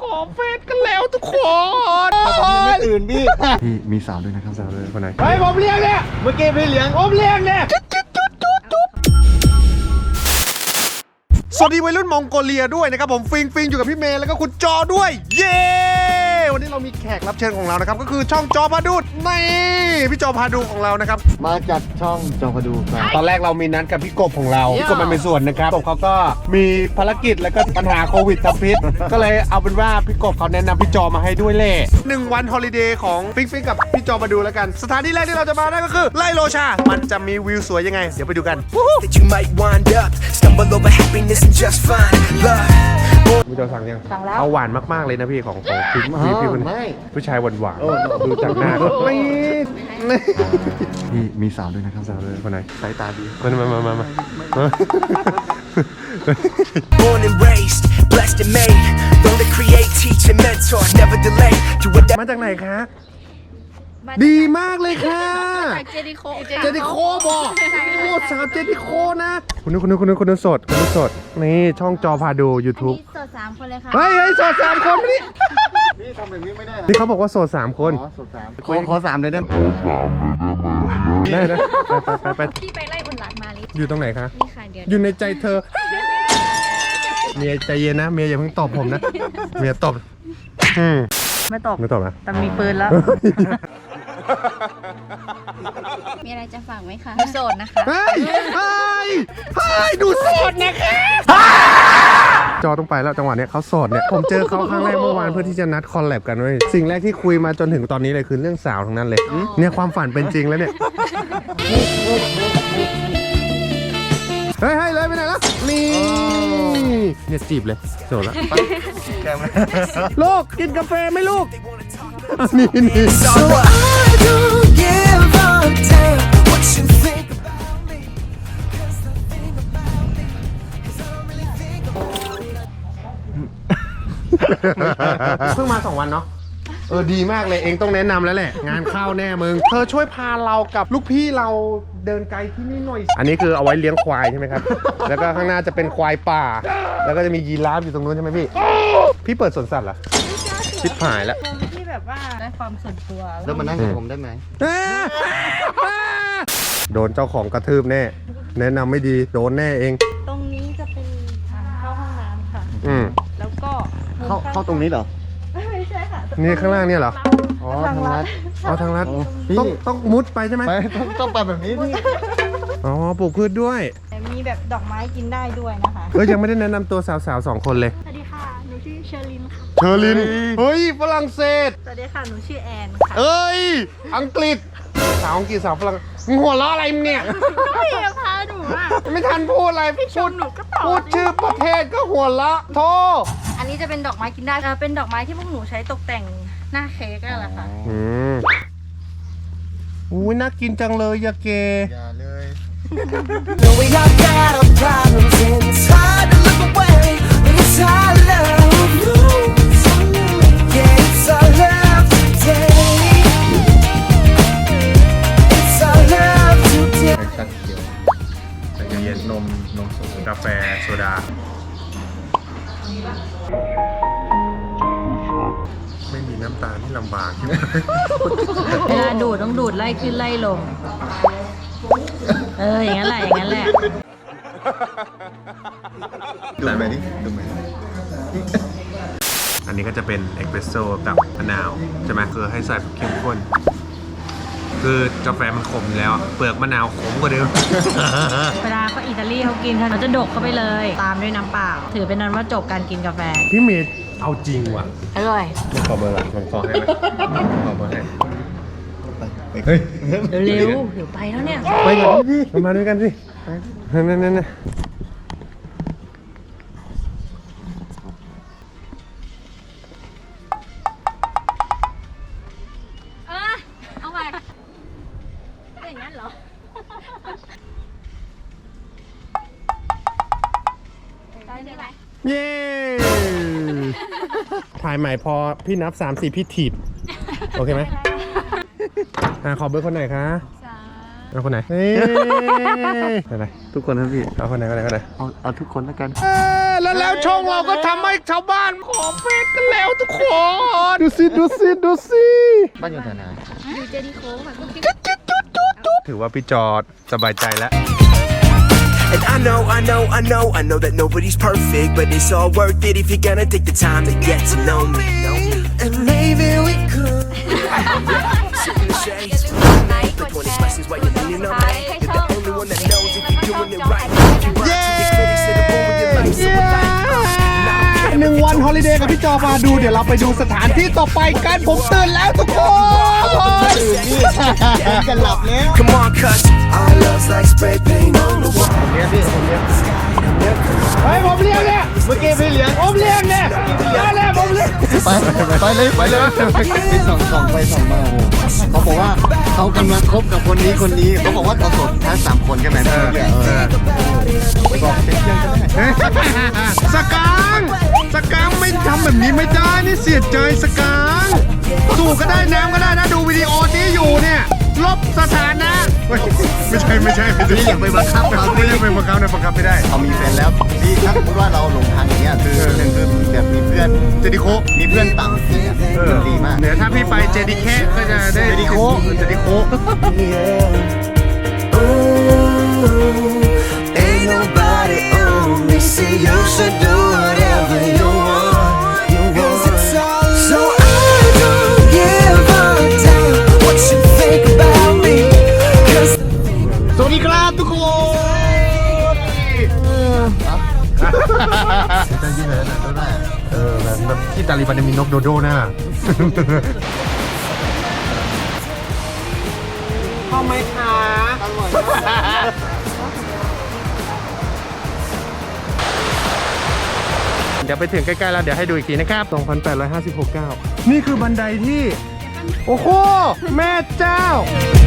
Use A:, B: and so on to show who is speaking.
A: อเฟซกันแล้วทุกคน
B: ผมยังไม่ตื่นพี่
C: พี่มีสาวด้วยนะครับสาวด้วยคนไหน
A: เฮ้ยผมเลี้ยงเนี่ย
B: เมื่อกี้พี่เลี้ยง
A: ผมเลี้ยงเนี่ยสวัสดีวัยรุ่นมองโกเลียด้วยนะครับผมฟิงอยู่กับพี่เมย์แล้วก็คุณจอด้วยเย้วันนี้เรามีแขกรับเชิญของเรานะครับก็คือช่องจอพาดูนี่พี่จอพาดูของเรานะครับ
C: มาจากช่องจอพาดูครับ
A: ตอนแรกเรามีนัดกับพี่กบของเราพี่กบมันเป็นส่วนนะครับกบเขาก็มีภารกิจแล้วก็ปัญหาโควิดทำพิษ ก็เลยเอาเป็นว่าพี่กบเขาแนะนำพี่จอมาให้ด้วยเล่1 วันฮอลิเดย์ของฟิงกับพี่จอมาดูแล้วกันสถานที่แรกที่เราจะมาได้ก็คือไร่โลชามันจะมีวิวสวยยังไงเดี๋ยวไปดูกัน
D: that you might wind up, stumble over happiness and just find love.
A: พี่จอสั่งยัง
E: สั่งแล้ว
A: เอาหวานมากๆเลยนะพี่ของพี่คน
C: ไม่
A: ผู้ชายหวาน
C: โอ้
A: ๆดูจากหน้าก็นี่
C: พี่มีสาวด้วยนะครับ
A: สาวเลยคนไหน
C: สายตาดี
A: มา
D: Born and raised, blessed and made. Learn to create, teach and mentor, never delay. Do whatever.
A: มาจากไหนคะดีมากเลยค่ะ
E: จากเจดิโค
A: เจดิโคบอกโอ้สาวเจดิโคนะคุณนึกสดนี่ช่องจอพาดู YouTube
E: โสด3 คนเลยค่ะ
A: เฮ้ยโสด3 คนนี่
C: พี่ทำแบบนี้ไม่ได้
A: นี่เขาบอกว่าโสด3 คน
C: อ๋อสุดสามขอสามเลยได้ไหม
A: ได้นะไป
E: พี่ไปไล่บนหลังมาลิ
A: อยู่ตรงไหนคะ
E: นี่ค่ะเดี๋ยว
A: อยู่ในใจเธอเมียใจเย็นนะเมียอย่าเพิ่งตอบผมนะเมียตอบ
E: ไม่ตก
A: ไม่ตอบนะ
E: แต่มีปืนแล้ว มีอะไรจะฝากไหมคะโสดนะคะ
A: เฮ้ยดูโสดนะคะจอต้องไปแล้วจังหวะเนี้ยเขาโสดเนี่ยผมเจอเขาครั้งแรกเมื่อวานเพื่อที่จะนัดคอลแลบกันเว้ยสิ่งแรกที่คุยมาจนถึงตอนนี้เลยคือเรื่องสาวทั้งนั้นเลยเนี่ยความฝันเป็นจริงแล้วเนี่ยเฮ้ยเลยไปไหนแล้วนี่เนี่ยจีบเลยโสดแล้วลูกกินกาแฟไหมลูกนี่
D: So I don't give a damn what you think about me. 'Cause I think about me. 'Cause I don't really think about me.
A: เพิ่งมา2 วันเนาะดีมากเลยเองต้องแนะนำแล้วแหละงานเข้าแน่มึงเธอช่วยพาเรากับลูกพี่เราเดินไกลที่นี่หน่อยอันนี้คือเอาไว้เลี้ยงควายใช่ไหมครับ แล้วก็ข้างหน้าจะเป็นควายป่า แล้วก็จะมียีราฟอยู่ตรงนู้นใช่ไหมพี่เปิดสวนสัตว์เหรอชิบหายแล้ว
E: ที่แบบว่าได้ความส่วนตัว
C: แล้วมานั่งกับผมได้ไหม
A: โดนเจ้าของกระทืบแน่แนะนำไม่ดีโดนแน่เอง
E: ตรงนี้จะเป็นทางเข้าห้องน้ำค่ะ แล้วก็
C: เข้าตรงนี้เหรอ
E: ไม่ใช่ค่ะ
A: นี่ข้างล่างเนี่ยเหรอ
C: อ๋อทางลัด
A: เอาทางลัด
C: พี่
A: ต้องมุดไปใช่ไหม
C: ไปต้องไปแบบนี้พี่
A: อ๋อปลูกพืชด้วย
E: มีแบบดอกไม้กินได้ด้วยนะคะ
A: ยังไม่ได้แนะนำตัวสาวๆ2 คนเลย
E: สวัสดีค่ะ หนูชื่อเชอรินค่ะ
A: เชอรินเฮ้ยฝรั่งเศส
E: สวัสดีค่ะ หนูชื่อแอนค่ะ
A: เอ้ยอังกฤษสาวอังกฤษสาวฝรั่งมึงหัวเราะอะไรมึงเนี่ย
E: พี่พาหนูอ่ะ
A: ไม่ทันพูดอะไรพูด
E: หนูก็ตอบ
A: พูดชื่อประเทศก็หัวเราะโท
E: อันนี้จะเป็นดอกไม้กินได้เป็นดอกไม้ที่พวกหนูใช้ตกแต่งหน้าเค้กนั่นแหละค่ะ
A: อุ้ยน่ากินจังเลยยาเก
C: อย่าเลย
D: No, we all got our problems and it's hard to look away when it's our love. Yeah, it's our love today. It's our love today.
C: ตัดเขียว
A: ใจเย็นนมสดกาแฟโซดาไม่มีน้ำตาลที่ลำบากใช่ไหม
E: เวลาดูดต้องดูดไล่ขึ้นไล่ลง อย่างนั้นแหละ
C: ดูไปดิดูไป
A: อันนี้ก็จะเป็นเอสเปรสโซ่กับมะนาวใช่ไหมคือให้ใส่เข้มข้นคือกาแฟมันขมอยู่แล้วเปลือกมะนาวขมกว่าเดิม
E: เวลาเขาอิตาลีเขากินเขาจะดกเข้าไปเลย ตามด้วยน้ำเปล่า ถือเป็นนั้นว่าจบการกินกาแฟ
A: พี่เมย์เอาจริงว่ะ
E: อร่อย
A: ขอเบอร์ก่อนผมขอให้ไหมขอเบอร์ให้เฮ้ย
E: เร็วๆเดี๋ยวไปแล้วเนี่ย
A: ไปก่อนพี่มาด้วยกันสินั่น
E: เอาไปอย่างนั้นเหรอ ได้ใช่ไหม
A: เย้ถ่ายใหม่พอพี่นับ3-4พี่ถีบโอเคไหมขอเบอร์คนไหนคะเอาคนไหนเฮ้ยอะไร
C: ทุกคนนะพี่
A: เอาคนไหน
C: เอาทุกคนแล้วกัน
A: เฮ้แล้วช่องเราก็ทำให้ชาวบ้านขอเฟซกันแล้วทุกคน ดูสิ
C: บ้านอยู่แถวไหน
A: ถือว่าพี่จอดสบายใจแล้ว
F: And I know that nobody's perfect, but it's all worth it if you're gonna take the time to get to know me.
D: And maybe we could.
F: Sit in the shades, like 20 questions while you're leaning on me. You're the only one that knows if you're doing it right. If you run to your critics, it'll ruin your life. So I like,
A: หนึ่งวันฮอลิเดย์กับพี่จอมาดูเดี๋ยวเราไปดูสถานที่ต่อไปกันผมตื่นแล้วทุกคน
C: กันหลับแล้ว
F: come on, cuz our love's like spray paint on the wall.
A: เฮ้ยผมเลี้ยงเนี่ยเมื่อกี้พี่เลี้ยงผมเลี้ยงเนี่ยได้แล้วผมเลี้ยง
C: ไปเลยไปส่องไปส่องมาเขาบอกว่าเขากำลังคบกับคนนี้เขาบอกว่าเขาโสดทั้ง3 คนใช่ไหมเนี่ยบอกเป็นเพื่อนก็ได้
A: สกางไม่ทำแบบนี้ไม่ได้นี่เสียใจสกางสู้ก็ได้น้ำก็ได้นะดูวิดีโอนี้อยู่เนี่ยลบสถานะไม่ใช่
C: พี่อย่าไปบังคับเขา
A: ไม่ได้ไปบังคับนะบังคับไม่ได้
C: เขามีแฟนแล้วพี่ถ้าสมมติว่าเราหลงทางอย่างเงี้ยคือหนึ่งคือแบบมีเพื่อน
A: เจดิโค
C: มีเพื่อนต่างที่ดีมาก
A: เดี๋ยวถ้าพี่ไปเจดิแคก็จะได้
C: เจดิโค
F: Ooh, ain't nobody on me. See, you should do whatever you want.
D: So I don't give a damn what you think about me. 'Cause
A: สวัสดีครับทุกคน
C: จะยืนเลยนะได้
A: แบบที่ตาลีบันมีนกโดโดน่ะเข้าไหมคะเดี๋ยวไปถึงใกล้ๆแล้วเดี๋ยวให้ดูอีกทีนะครับ 2,856 ก้าวนี่คือบันไดที่ โอ้โห แม่เจ้า